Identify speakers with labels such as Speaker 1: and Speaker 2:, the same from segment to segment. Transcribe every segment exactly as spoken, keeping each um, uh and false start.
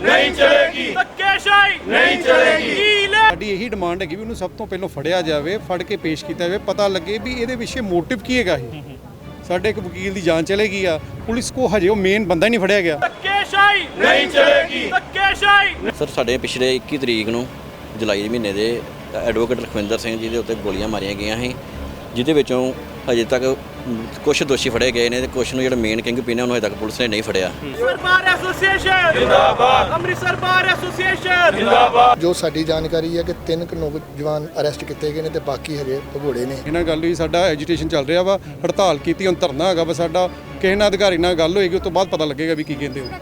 Speaker 1: ਨਹੀਂ ਚਲੇਗੀ, ਧੱਕੇਸ਼ਾਹੀ ਨਹੀਂ ਚਲੇਗੀ।
Speaker 2: ਸਾਡੀ ਇਹੀ ਡਿਮਾਂਡ ਹੈ ਕਿ ਵੀ ਉਹਨੂੰ ਸਭ ਤੋਂ ਪਹਿਲਾਂ ਫੜਿਆ ਜਾਵੇ, ਫੜ ਕੇ ਪੇਸ਼ ਕੀਤਾ ਜਾਵੇ, ਪਤਾ ਲੱਗੇ ਵੀ ਇਹਦੇ ਪਿੱਛੇ ਮੋਟਿਵ ਕੀ ਹੈਗਾ। ਇਹ ਸਾਡੇ ਇੱਕ ਵਕੀਲ ਦੀ ਜਾਂਚ ਚਲੇਗੀ ਆ, ਪੁਲਿਸ ਕੋ ਹਜੇ ਉਹ ਮੇਨ ਬੰਦਾ ਹੀ ਨਹੀਂ ਫੜਿਆ ਗਿਆ।
Speaker 1: ਧੱਕੇਸ਼ਾਹੀ ਨਹੀਂ ਚਲੇਗੀ, ਧੱਕੇਸ਼ਾਹੀ।
Speaker 3: ਸਰ ਸਾਡੇ ਪਿਛਲੇ ਇੱਕੀ ਤਰੀਕ ਨੂੰ ਜੁਲਾਈ ਦੇ ਮਹੀਨੇ ਦੇ ਐਡਵੋਕੇਟ ਲਖਵਿੰਦਰ ਸਿੰਘ ਜੀ ਦੇ ਉੱਤੇ ਗੋਲੀਆਂ ਮਾਰੀਆਂ ਗਈਆਂ ਸੀ, ਜਿਹਦੇ ਵਿੱਚੋਂ ਹਜੇ ਤੱਕ ਕੁਝ ਦੋਸ਼ੀ ਫੜੇ ਗਏ ਨੇ ਤੇ ਕੁਝ ਨੂੰ ਜਿਹੜਾ ਮੇਨ ਕਿੰਗ ਪਿਨ ਹੈ ਉਹਨੂੰ ਹਜੇ ਤੱਕ ਪੁਲਿਸ ਨੇ ਨਹੀਂ ਫੜਿਆ।
Speaker 1: ਅੰਮ੍ਰਿਤਸਰ ਬਾਰ ਐਸੋਸੀਏਸ਼ਨ ਜਿੰਦਾਬਾਦ, ਅੰਮ੍ਰਿਤਸਰ ਬਾਰ ਐਸੋਸੀਏਸ਼ਨ ਜਿੰਦਾਬਾਦ।
Speaker 4: ਜੋ ਸਾਡੀ ਜਾਣਕਾਰੀ ਹੈ ਕਿ ਤਿੰਨ ਕੁ ਨੌਜਵਾਨ ਅਰੈਸਟ ਕੀਤੇ ਗਏ ਨੇ ਤੇ ਬਾਕੀ ਹਜੇ ਭਗੌੜੇ ਨੇ।
Speaker 2: ਇਹਨਾਂ ਗੱਲ ਹੋਈ, ਸਾਡਾ ਐਜੀਟੇਸ਼ਨ ਚੱਲ ਰਿਹਾ ਵਾ, ਹੜਤਾਲ ਕੀਤੀ, ਹੁਣ ਧਰਨਾ ਹੈਗਾ ਵਾ ਸਾਡਾ। ਕਿਸੇ ਨਾਲ ਅਧਿਕਾਰੀ ਨਾਲ ਗੱਲ ਹੋਏਗੀ, ਉਸ ਤੋਂ ਬਾਅਦ ਪਤਾ ਲੱਗੇਗਾ ਵੀ ਕੀ ਕਹਿੰਦੇ ਹੋ।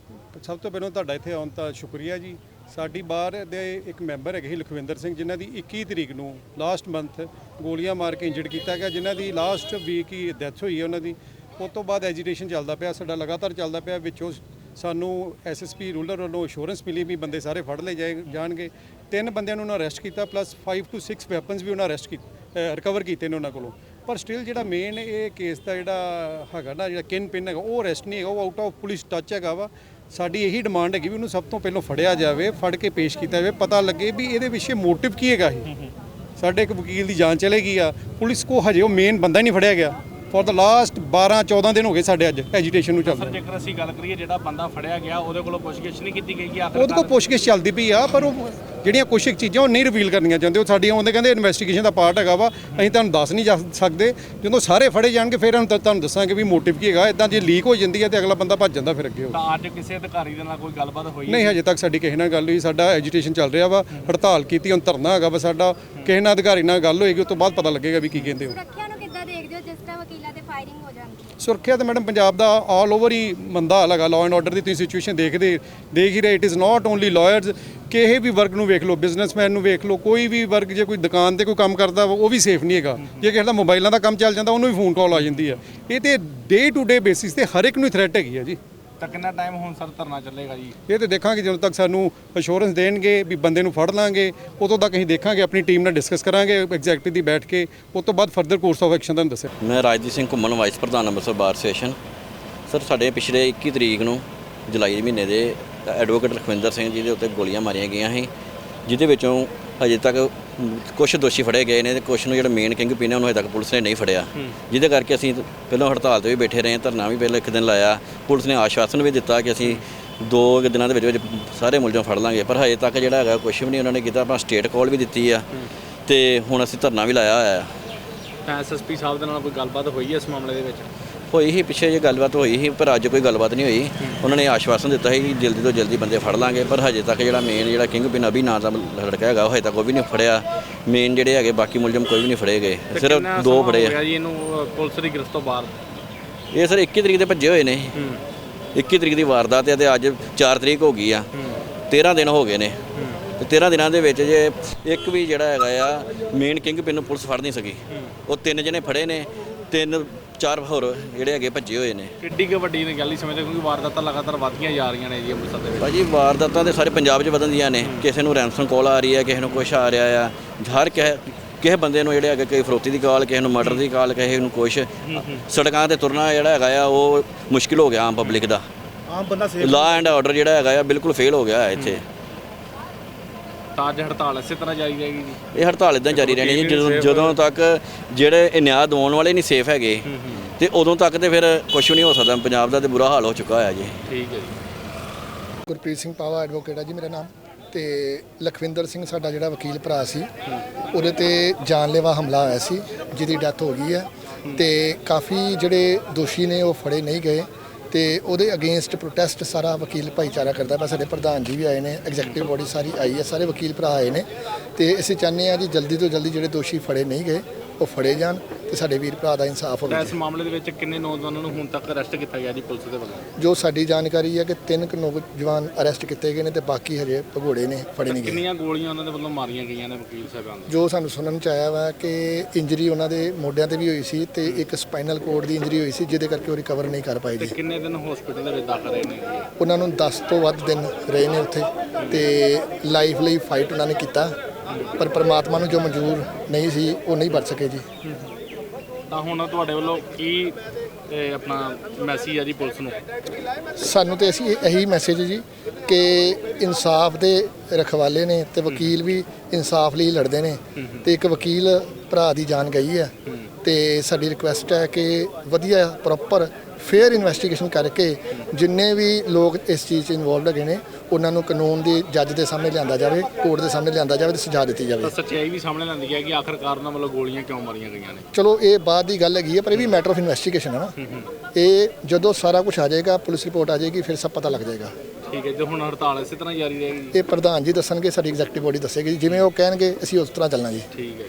Speaker 2: ਸਭ ਤੋਂ ਪਹਿਲਾਂ ਤੁਹਾਡਾ ਇੱਥੇ ਆਉਣ ਦਾ ਸ਼ੁਕਰੀਆ ਜੀ। ਸਾਡੀ ਬਾਰ ਦੇ ਇੱਕ ਮੈਂਬਰ ਹੈਗੇ ਸੀ ਲਖਵਿੰਦਰ ਸਿੰਘ, ਜਿਨ੍ਹਾਂ ਦੀ ਇੱਕੀ ਤਰੀਕ ਨੂੰ ਲਾਸਟ ਮੰਥ ਗੋਲੀਆਂ ਮਾਰ ਕੇ ਇੰਜਰਡ ਕੀਤਾ ਗਿਆ, ਜਿਨ੍ਹਾਂ ਦੀ ਲਾਸਟ ਵੀਕ ਹੀ ਡੈਥ ਹੋਈ ਹੈ ਉਹਨਾਂ ਦੀ। ਉਸ ਤੋਂ ਬਾਅਦ ਐਜੀਟੇਸ਼ਨ ਚੱਲਦਾ ਪਿਆ ਸਾਡਾ, ਲਗਾਤਾਰ ਚੱਲਦਾ ਪਿਆ। ਵਿੱਚੋਂ ਸਾਨੂੰ ਐਸਐਸਪੀ ਰੂਰਲ ਵੱਲੋਂ ਅਸ਼ੋਰੈਂਸ ਮਿਲੀ ਵੀ ਬੰਦੇ ਸਾਰੇ ਫੜ ਲਏ ਜਾਏ ਜਾਣਗੇ। ਤਿੰਨ ਬੰਦਿਆਂ ਨੂੰ ਉਹਨਾਂ ਅਰੈਸਟ ਕੀਤਾ, plus five two six weapons ਵੀ ਉਹਨਾਂ ਅਰੈਸਟ ਕੀਤੇ, ਰਿਕਵਰ ਕੀਤੇ ਨੇ ਉਹਨਾਂ ਕੋਲੋਂ। ਪਰ ਸਟਿਲ ਜਿਹੜਾ ਮੇਨ ਇਹ ਕੇਸ ਦਾ ਜਿਹੜਾ ਹੈਗਾ ਨਾ, ਜਿਹੜਾ ਕਿਨ ਪਿਨ ਹੈਗਾ, ਉਹ ਅਰੈਸਟ ਨਹੀਂ ਹੈਗਾ, ਉਹ ਆਊਟ ਆਫ ਪੁਲਿਸ ਟੱਚ ਹੈਗਾ ਵਾ। ਸਾਡੀ ਇਹੀ ਡਿਮਾਂਡ ਹੈਗੀ ਵੀ ਉਹਨੂੰ ਸਭ ਤੋਂ ਪਹਿਲਾਂ ਫੜਿਆ ਜਾਵੇ, ਫੜ ਕੇ ਪੇਸ਼ ਕੀਤਾ ਜਾਵੇ, ਪਤਾ ਲੱਗੇ ਵੀ ਇਹਦੇ ਪਿੱਛੇ ਮੋਟਿਵ ਕੀ ਹੈਗਾ। ਇਹ ਸਾਡੇ ਇੱਕ ਵਕੀਲ ਦੀ ਜਾਂਚ ਚਲੇਗੀ ਆ, ਪੁਲਿਸ ਕੋ ਹਜੇ ਉਹ ਮੇਨ ਬੰਦਾ ਹੀ ਨਹੀਂ ਫੜਿਆ ਗਿਆ। ਫॉर द ਲਾਸਟ ਬਾਰਾਂ ਚੌਦਾਂ ਦਿਨ ਹੋ ਗਏ ਸਾਡੇ ਅੱਜ ਐਜੀਟੇਸ਼ਨ ਨੂੰ ਚੱਲਦਾ।
Speaker 5: ਸਰ ਜੇਕਰ ਅਸੀਂ ਗੱਲ ਕਰੀਏ ਜਿਹੜਾ ਬੰਦਾ ਫੜਿਆ ਗਿਆ ਉਹਦੇ ਕੋਲੋਂ ਪੁੱਛਗਿੱਛ ਨਹੀਂ ਕੀਤੀ ਗਈ ਕਿ ਆਖਰ
Speaker 2: ਉਹਦੇ ਕੋਲ ਪੁੱਛਗਿੱਛ ਚੱਲਦੀ ਪਈ ਆ, ਪਰ ਉਹ ਜਿਹੜੀਆਂ ਕੁਛ ਇੱਕ ਚੀਜ਼ਾਂ ਉਹ ਨਹੀਂ ਰਿਵੀਲ ਕਰਨੀਆਂ ਚਾਹੁੰਦੇ। ਉਹ ਸਾਡੀਆਂ ਉਹਦੇ ਕਹਿੰਦੇ ਇਨਵੈਸਟੀਗੇਸ਼ਨ ਦਾ ਪਾਰਟ ਹੈਗਾ ਵਾ, ਅਸੀਂ ਤੁਹਾਨੂੰ ਦੱਸ ਨਹੀਂ ਜਾ ਸਕਦੇ। ਜਦੋਂ ਸਾਰੇ ਫੜੇ ਜਾਣਗੇ ਫਿਰ ਹੁਣ ਤੁਹਾਨੂੰ ਦੱਸਾਂਗੇ ਵੀ ਮੋਟਿਵ ਕੀ ਹੈਗਾ। ਇਦਾਂ ਜੇ ਲੀਕ ਹੋ ਜਾਂਦੀ ਹੈ ਤੇ ਅਗਲਾ ਬੰਦਾ ਭੱਜ ਜਾਂਦਾ ਫਿਰ ਅੱਗੇ ਹੋ।
Speaker 5: ਤਾਂ ਅੱਜ ਕਿਸੇ ਅਧਿਕਾਰੀ ਦੇ ਨਾਲ ਕੋਈ ਗੱਲਬਾਤ ਹੋਈ
Speaker 2: ਨਹੀਂ, ਹਜੇ ਤੱਕ ਸਾਡੀ ਕਿਸੇ ਨਾਲ ਗੱਲ ਹੋਈ। ਸਾਡਾ ਐਜੀਟੇਸ਼ਨ ਚੱਲ ਰਿਹਾ ਵਾ, ਹੜਤਾਲ ਕੀਤੀ, ਹੁਣ ਧਰਨਾ ਹੈਗਾ ਵਾ ਸਾਡਾ। ਕਿਸੇ ਨਾਲ ਅਧਿਕਾਰੀ ਨਾਲ ਗੱਲ ਹੋਏਗੀ, ਉਸ ਤੋਂ ਬਾਅਦ ਪਤਾ ਲੱਗੇਗਾ ਵੀ ਕੀ ਕਹਿੰਦੇ ਹੋ।
Speaker 6: ਸੁਰੱਖਿਆ ਨੂੰ ਕਿੱਦਾਂ ਦੇਖਦੇ ਹੋ ਜਿਸ ਤਰ੍ਹਾਂ ਵਕੀਲਾਂ ਤੇ ਫਾਇਰਿੰਗ ਹੋ ਜਾਂਦੀ ਹੈ?
Speaker 2: ਸੁਰੱਖਿਆ ਤਾਂ ਮੈਡਮ ਪੰਜਾਬ ਦਾ ਆਲ ਓਵਰ ਹੀ ਮੰਦਾ ਹਾਲ ਹੈਗਾ। ਲਾਅ ਐਂਡ ਆਰਡਰ ਦੀ ਤੁਸੀਂ ਸਿਚੁਏਸ਼ਨ ਦੇਖਦੇ ਦੇਖ ਹੀ ਰਹੇ। It is not only lawyers, ਕਿਸੇ ਵੀ ਵਰਗ ਨੂੰ ਵੇਖ ਲਓ, ਬਿਜ਼ਨਸਮੈਨ ਨੂੰ ਵੇਖ ਲਓ, ਕੋਈ ਵੀ ਵਰਗ ਜੇ ਕੋਈ ਦੁਕਾਨ ਤੇ ਕੋਈ ਕੰਮ ਕਰਦਾ ਉਹ ਵੀ ਸੇਫ ਨਹੀਂ ਹੈਗਾ। ਜੇ ਕਿਸੇ ਦਾ ਮੋਬਾਈਲਾਂ ਦਾ ਕੰਮ ਚੱਲ ਜਾਂਦਾ ਉਹਨੂੰ ਵੀ ਫੋਨ ਕਾਲ ਆ ਜਾਂਦੀ ਹੈ। ਇਹ ਤੇ ਡੇ ਟੂ ਡੇ ਬੇਸਿਸ ਤੇ ਹਰ ਇੱਕ ਨੂੰ ਥ੍ਰੈਟ ਹੈਗੀ ਹੈ ਜੀ।
Speaker 5: ਤਾਂ ਕਿੰਨਾ ਟਾਈਮ ਹੁਣ ਸਰ ਧਰਨਾ ਚੱਲੇਗਾ ਜੀ?
Speaker 2: ਇਹ ਤੇ ਦੇਖਾਂਗੇ ਜਦੋਂ ਤੱਕ ਸਾਨੂੰ ਅਸ਼ੋਰੈਂਸ ਦੇਣਗੇ ਵੀ ਬੰਦੇ ਨੂੰ ਫੜ ਲਾਂਗੇ, ਉਦੋਂ ਤੱਕ ਅਸੀਂ ਦੇਖਾਂਗੇ, ਆਪਣੀ ਟੀਮ ਨਾਲ ਡਿਸਕਸ ਕਰਾਂਗੇ ਐਗਜ਼ੈਕਟਿਵ ਦੀ ਬੈਠ ਕੇ। ਉਸ ਤੋਂ ਬਾਅਦ ਫਰਦਰ ਕੋਰਸ ਆਫ ਐਕਸ਼ਨ ਤੁਹਾਨੂੰ ਦੱਸਿਆ।
Speaker 3: ਮੈਂ ਰਾਜਦੀਪ ਸਿੰਘ ਘੁੰਮਣ, ਵਾਈਸ ਪ੍ਰਧਾਨ ਅੰਮ੍ਰਿਤਸਰ ਬਾਰ ਐਸੋਸੀਏਸ਼ਨ। ਸਰ ਸਾਡੇ ਪਿਛਲੇ ਇੱਕੀ ਤਰੀਕ ਨੂੰ ਜੁਲਾਈ ਦੇ ਮਹੀਨੇ ਦੇ ਐਡਵੋਕੇਟ ਲਖਵਿੰਦਰ ਸਿੰਘ ਜੀ ਦੇ ਉੱਤੇ ਗੋਲੀਆਂ ਮਾਰੀਆਂ ਗਈਆਂ ਸੀ, ਜਿਹਦੇ ਵਿੱਚੋਂ ਹਜੇ ਤੱਕ ਕੁਝ ਦੋਸ਼ੀ ਫੜੇ ਗਏ ਨੇ ਤੇ ਕੁਝ ਨੂੰ ਜਿਹੜਾ ਮੇਨ ਕਿੰਗ ਪਿਨ ਹੈ ਉਹਨੂੰ ਹਜੇ ਤੱਕ ਪੁਲਿਸ ਨੇ ਨਹੀਂ ਫੜਿਆ। ਜਿਹਦੇ ਕਰਕੇ ਅਸੀਂ ਪਹਿਲਾਂ ਹੜਤਾਲ ਤੇ ਵੀ ਬੈਠੇ ਰਹੇ, ਧਰਨਾ ਵੀ ਪਹਿਲਾਂ ਇੱਕ ਦਿਨ ਲਾਇਆ। ਪੁਲਿਸ ਨੇ ਆਸ਼ਵਾਸਨ ਵੀ ਦਿੱਤਾ ਕਿ ਅਸੀਂ ਦੋ ਦਿਨਾਂ ਦੇ ਵਿੱਚ ਵਿੱਚ ਸਾਰੇ ਮੁਲਜ਼ਮ ਫੜ ਲਾਂਗੇ, ਪਰ ਹਜੇ ਤੱਕ ਜਿਹੜਾ ਹੈਗਾ ਕੁਝ ਵੀ ਨਹੀਂ ਉਹਨਾਂ ਨੇ ਕੀਤਾ। ਆਪਾਂ ਸਟੇਟ ਕਾਲ ਵੀ ਦਿੱਤੀ ਆ ਤੇ ਹੁਣ ਅਸੀਂ ਧਰਨਾ ਵੀ ਲਾਇਆ ਹੋਇਆ ਆ।
Speaker 5: ਤਾਂ ਐਸਐਸਪੀ ਸਾਹਿਬ ਦੇ ਨਾਲ ਕੋਈ ਗੱਲਬਾਤ ਹੋਈ ਹੈ ਇਸ ਮਾਮਲੇ ਦੇ ਵਿੱਚ?
Speaker 3: ਹੋਈ ਸੀ ਪਿੱਛੇ ਜੇ ਗੱਲਬਾਤ ਹੋਈ ਸੀ, ਪਰ ਅੱਜ ਕੋਈ ਗੱਲਬਾਤ ਨਹੀਂ ਹੋਈ। ਉਹਨਾਂ ਨੇ ਆਸ਼ਵਾਸਨ ਦਿੱਤਾ ਸੀ ਕਿ ਜਲਦੀ ਤੋਂ ਜਲਦੀ ਬੰਦੇ ਫੜ ਲਾਂਗੇ, ਪਰ ਹਜੇ ਤੱਕ ਜਿਹੜਾ ਮੇਨ ਜਿਹੜਾ ਕਿੰਗ ਪਿਨ ਅਭੀ ਨਾਂ ਦਾ ਲੜਕਾ ਹੈਗਾ ਉਹ ਹਜੇ ਤੱਕ ਉਹ ਵੀ ਨਹੀਂ ਫੜਿਆ। ਮੇਨ ਜਿਹੜੇ ਹੈਗੇ ਬਾਕੀ ਮੁਲਜ਼ਮ ਕੋਈ ਵੀ ਨਹੀਂ ਫੜੇ ਗਏ, ਸਿਰਫ ਦੋ ਫੜੇ ਆ
Speaker 5: ਜੀ ਇਹਨੂੰ ਪੁਲਿਸ ਦੀ ਗ੍ਰਿਫਤ ਤੋਂ ਬਾਅਦ।
Speaker 3: ਇਹ ਸਰ ਇੱਕੀ ਤਰੀਕ ਦੇ ਭੱਜੇ ਹੋਏ ਨੇ। ਇੱਕੀ ਤਰੀਕ ਦੀ ਵਾਰਦਾਤ ਹੈ ਤੇ ਅੱਜ ਚਾਰ ਤਰੀਕ ਹੋ ਗਈ ਆ, ਤੇਰ੍ਹਾਂ ਦਿਨ ਹੋ ਗਏ ਨੇ। ਤੇ ਤੇਰ੍ਹਾਂ ਦਿਨਾਂ ਦੇ ਵਿੱਚ ਜੇ ਇੱਕ ਵੀ ਜਿਹੜਾ ਹੈਗਾ ਆ ਮੇਨ ਕਿੰਗ ਪਿਨ ਨੂੰ ਪੁਲਿਸ ਫੜ ਨਹੀਂ ਸਕੀ। ਉਹ ਤਿੰਨ ਜਣੇ ਫੜੇ ਨੇ, ਤਿੰਨ ਚਾਰ ਹੋਰ ਜਿਹੜੇ ਹੈਗੇ ਭੱਜੇ ਹੋਏ ਨੇ।
Speaker 5: ਕਿੱਡੀ ਕੁ ਵੱਡੀ ਨੇ ਗੱਲ ਹੀ ਸਮਝਦੇ, ਕਿਉਂਕਿ ਵਾਰਦਾਤਾਂ ਲਗਾਤਾਰ ਵੱਧਦੀਆਂ ਜਾ ਰਹੀਆਂ ਨੇ ਜੀ ਅੰਮ੍ਰਿਤਸਰ ਦੇ ਵਿੱਚ।
Speaker 3: ਭਾਜੀ ਵਾਰਦਾਤਾਂ ਦੇ ਸਾਰੇ ਪੰਜਾਬ 'ਚ ਵਧਦੀਆਂ ਨੇ। ਕਿਸੇ ਨੂੰ ਰੈਂਸਮ ਕਾਲ ਆ ਰਹੀ ਹੈ, ਕਿਸੇ ਨੂੰ ਕੁਛ ਆ ਰਿਹਾ ਆ। ਹਰ ਕਿਸੇ ਕਿਸੇ ਬੰਦੇ ਨੂੰ ਜਿਹੜੇ ਹੈਗੇ ਕੋਈ ਫਰੋਤੀ ਦੀ ਕਾਲ, ਕਿਸੇ ਨੂੰ ਮਰਡਰ ਦੀ ਕਾਲ, ਕਿਸੇ ਨੂੰ ਕੁਛ। ਸੜਕਾਂ 'ਤੇ ਤੁਰਨਾ ਜਿਹੜਾ ਹੈਗਾ ਆ ਉਹ ਮੁਸ਼ਕਿਲ ਹੋ ਗਿਆ ਆਮ ਪਬਲਿਕ ਦਾ।
Speaker 4: ਆਮ ਬੰਦਾ
Speaker 3: ਲਾਅ ਐਂਡ ਆਰਡਰ ਜਿਹੜਾ ਹੈਗਾ ਆ ਬਿਲਕੁਲ ਫੇਲ ਹੋ ਗਿਆ ਹੈ ਇੱਥੇ।
Speaker 5: ਤਾਂ ਅੱਜ ਹੜਤਾਲ ਇਸੇ ਤਰ੍ਹਾਂ ਜਾਰੀ ਰਹੇਗੀ ਜੀ?
Speaker 3: ਇਹ ਹੜਤਾਲ ਇਦਾਂ ਜਾਰੀ ਰਹਿਣੀ ਜੀ ਜਦੋਂ ਜਦੋਂ ਤੱਕ ਜਿਹੜੇ ਇਹ ਨਿਆਂ ਦਿਵਾਉਣ ਵਾਲੇ ਨਹੀਂ ਸੇਫ ਹੈਗੇ ਤੇ ਉਦੋਂ ਤੱਕ ਤੇ ਫਿਰ ਕੁਝ ਨਹੀਂ ਹੋ ਸਕਦਾ। ਪੰਜਾਬ ਦਾ ਤੇ ਬੁਰਾ ਹਾਲ ਹੋ ਚੁੱਕਾ ਹੋਇਆ ਜੀ।
Speaker 5: ਠੀਕ ਹੈ ਜੀ।
Speaker 4: ਗੁਰਪ੍ਰੀਤ ਸਿੰਘ ਪਾਵਾ ਐਡਵੋਕੇਟ ਆ ਜੀ ਮੇਰਾ ਨਾਮ। ਤੇ ਲਖਵਿੰਦਰ ਸਿੰਘ ਸਾਡਾ ਜਿਹੜਾ ਵਕੀਲ ਭਰਾ ਸੀ, ਉਹਦੇ ਤੇ ਜਾਨਲੇਵਾ ਹਮਲਾ ਹੋਇਆ ਸੀ, ਜਿਹਦੀ ਡੈਥ ਹੋ ਗਈ ਹੈ। ਤੇ ਕਾਫੀ ਜਿਹੜੇ ਦੋਸ਼ੀ ਨੇ ਉਹ ਫੜੇ ਨਹੀਂ ਗਏ ਤੇ ਉਹਦੇ ਅਗੇਂਸਟ ਪ੍ਰੋਟੈਸਟ ਸਾਰਾ ਵਕੀਲ ਭਾਈਚਾਰਾ ਕਰਦਾ ਪਿਆ। ਸਾਡੇ ਪ੍ਰਧਾਨ ਜੀ ਵੀ ਆਏ ਨੇ, ਐਗਜ਼ੈਕਟਿਵ ਬੋਡੀ ਸਾਰੀ ਆਈ ਹੈ, ਸਾਰੇ ਵਕੀਲ ਭਰਾ ਆਏ ਨੇ। ਤੇ ਅਸੀਂ ਚਾਹੁੰਦੇ ਹਾਂ ਜੀ ਜਲਦੀ ਤੋਂ ਜਲਦੀ ਜਿਹੜੇ ਦੋਸ਼ੀ ਫੜੇ ਨਹੀਂ ਗਏ ਉਹ ਫੜੇ ਜਾਣ ਤੇ ਸਾਡੇ ਵੀਰ ਭਰਾ ਦਾ ਇਨਸਾਫ ਹੋਵੇ।
Speaker 5: ਇਸ ਮਾਮਲੇ ਦੇ ਵਿੱਚ ਕਿੰਨੇ ਨੌਜਵਾਨਾਂ ਨੂੰ ਹੁਣ ਤੱਕ ਅਰੈਸਟ ਕੀਤਾ ਗਿਆ ਜੀ ਪੁਲਿਸ ਦੇ ਵੱਲੋਂ?
Speaker 4: ਜੋ ਸਾਡੀ ਜਾਣਕਾਰੀ ਹੈ ਕਿ ਤਿੰਨ ਕੁ ਨੌਜਵਾਨ ਅਰੈਸਟ ਕੀਤੇ ਗਏ ਨੇ ਤੇ ਬਾਕੀ ਹਜੇ ਭਗੌੜੇ ਨੇ, ਫੜੇ ਨਹੀਂ ਗਏ।
Speaker 5: ਕਿੰਨੀਆਂ ਗੋਲੀਆਂ ਉਹਨਾਂ ਦੇ ਵੱਲੋਂ ਮਾਰੀਆਂ ਗਈਆਂ ਨੇ ਵਕੀਲ ਸਾਹਿਬਾਨ ਦੇ?
Speaker 4: ਜੋ ਸਾਨੂੰ ਸੁਣਨ ਚ ਆਇਆ ਵਾ ਕਿ ਇੰਜਰੀ ਉਹਨਾਂ ਦੇ ਮੋਢਿਆਂ ਤੇ ਵੀ ਹੋਈ ਸੀ ਤੇ ਇੱਕ ਸਪਾਈਨਲ ਕੋਰਡ ਦੀ ਇੰਜਰੀ ਹੋਈ ਸੀ, ਜਿਹਦੇ ਕਰਕੇ ਉਹ ਰਿਕਵਰ ਨਹੀਂ ਕਰ ਪਾਏ
Speaker 5: ਤੇ
Speaker 4: ਜੀ।
Speaker 5: ਕਿੰਨੇ ਦਿਨ ਹਸਪੀਟਲ ਦੇ ਵਿੱਚ ਦਾਖਲ ਰਹੇ ਨੇ?
Speaker 4: ਉਹਨਾਂ ਨੂੰ ਦਸ ਤੋਂ ਵੱਧ ਦਿਨ ਰਹੇ ਨੇ ਉੱਥੇ ਤੇ ਲਾਈਫ ਲਈ ਫਾਈਟ ਉਹਨਾਂ ਨੇ ਕੀਤਾ, ਪਰ ਪਰਮਾਤਮਾ ਨੂੰ ਜੋ ਮਨਜ਼ੂਰ ਨਹੀਂ ਸੀ ਉਹ ਨਹੀਂ ਬਚ ਸਕੇ ਜੀ।
Speaker 5: ਤਾਂ ਹੁਣ ਤੁਹਾਡੇ ਵੱਲੋਂ ਕੀ ਆਪਣਾ ਮੈਸੇਜ ਹੈ ਜੀ ਪੁਲਿਸ ਨੂੰ?
Speaker 4: ਸਾਨੂੰ ਤੇ ਅਸੀਂ ਇਹੀ ਮੈਸੇਜ ਜੀ ਕਿ ਇਨਸਾਫ ਦੇ ਰਖਵਾਲੇ ਨੇ ਤੇ ਵਕੀਲ ਵੀ ਇਨਸਾਫ ਲਈ ਲੜਦੇ ਨੇ ਤੇ ਇੱਕ ਵਕੀਲ ਭਰਾ ਦੀ ਜਾਨ ਗਈ ਹੈ ਤੇ ਸਾਡੀ ਰਿਕੁਐਸਟ ਹੈ ਕਿ ਵਧੀਆ ਪ੍ਰੋਪਰ ਫੇਅਰ ਇਨਵੈਸਟੀਗੇਸ਼ਨ ਕਰਕੇ ਜਿੰਨੇ ਵੀ ਲੋਕ ਇਸ ਚੀਜ਼ 'ਚ ਇਨਵੋਲਵਡ ਹੈਗੇ ਨੇ ਉਹਨਾਂ ਨੂੰ ਕਾਨੂੰਨ ਦੀ ਜੱਜ ਦੇ ਸਾਹਮਣੇ ਲਿਆਂਦਾ ਜਾਵੇ, ਕੋਰਟ ਦੇ ਸਾਹਮਣੇ ਲਿਆਂਦਾ ਜਾਵੇ ਤੇ ਸਜ਼ਾ ਦਿੱਤੀ ਜਾਵੇ।
Speaker 5: ਤਾਂ ਸੱਚਾਈ ਵੀ ਸਾਹਮਣੇ ਲਿਆਂਦੀ ਹੈ ਕਿ ਆਖਰਕਾਰ ਉਹਨਾਂ ਵੱਲੋਂ ਗੋਲੀਆਂ ਕਿਉਂ ਮਾਰੀਆਂ ਗਈਆਂ ਨੇ।
Speaker 4: ਚਲੋ ਇਹ ਬਾਅਦ ਦੀ ਗੱਲ ਹੈਗੀ ਹੈ ਪਰ ਇਹ ਵੀ ਮੈਟਰ ਆਫ ਇਨਵੈਸਟੀਗੇਸ਼ਨ ਹੈ ਨਾ। ਇਹ ਜਦੋਂ ਸਾਰਾ ਕੁਝ ਆ ਜਾਏਗਾ, ਪੁਲਿਸ ਰਿਪੋਰਟ ਆ ਜਾਏਗੀ, ਫਿਰ ਸਭ ਪਤਾ ਲੱਗ ਜਾਏਗਾ।
Speaker 5: ਠੀਕ ਹੈ, ਤੇ ਹੁਣ ਹੜਤਾਲ ਇਸੇ ਤਰ੍ਹਾਂ ਜਾਰੀ ਰਹੇਗੀ?
Speaker 4: ਇਹ ਪ੍ਰਧਾਨ ਜੀ ਦੱਸਣਗੇ, ਸਾਡੀ ਐਗਜ਼ੈਕਟਿਵ ਬੋਡੀ ਦੱਸੇਗੀ ਜੀ, ਜਿਵੇਂ ਉਹ ਕਹਿਣਗੇ ਅਸੀਂ ਉਸ ਤਰ੍ਹਾਂ ਚੱਲਣਾ ਜੀ।
Speaker 5: ਠੀਕ ਹੈ।